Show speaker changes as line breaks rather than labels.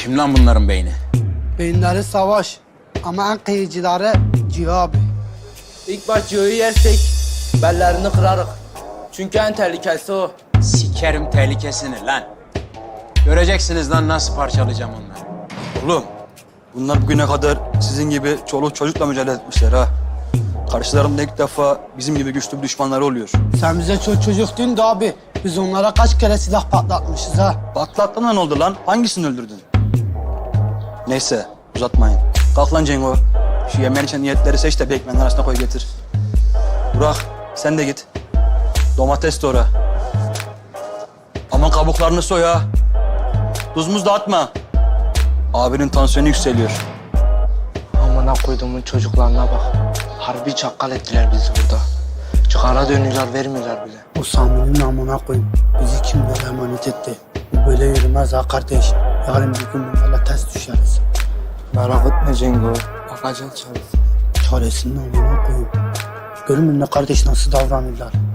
Kim lan bunların beyni?
Beyinleri savaş ama en kıyıcıları Cihan abi.
İlk baş Ciho'yu yersek bellerini kırarız. Çünkü en tehlikelisi o.
Sikerim tehlikesini lan. Göreceksiniz lan nasıl parçalayacağım onları.
Oğlum, bunlar bugüne kadar sizin gibi çoluk çocukla mücadele etmişler ha. Karşılarında ilk defa bizim gibi güçlü bir düşmanları oluyor.
Sen bize çocuk değil de abi. Biz onlara kaç kere silah patlatmışız ha.
Patlattığında ne oldu lan? Hangisini öldürdün? Neyse, uzatmayın. Kalk lan Cengo. Şu yemeğin için niyetleri seç de bir ekmeğin arasına koy getir. Burak, sen de git. Domates doğra. Aman kabuklarını soy ha. Tuz muz dağıtma. Abinin tansiyonu yükseliyor.
Amına koyduğumun çocuklarına bak. Harbi çakkal ettiler bizi burada. Çıkara dönüyorlar, vermiyorlar bile.
O Sami'nin namına koyun. Bizi kimlere emanet etti. Bu böyle yürümez ha kardeş. Yarın bir gün bunlarla ters düşeriz.
Merak etme Cengo. Bakacağız çaresi.
Çaresinin namına koyun. Görün mü ne kardeş nasıl davranırlar.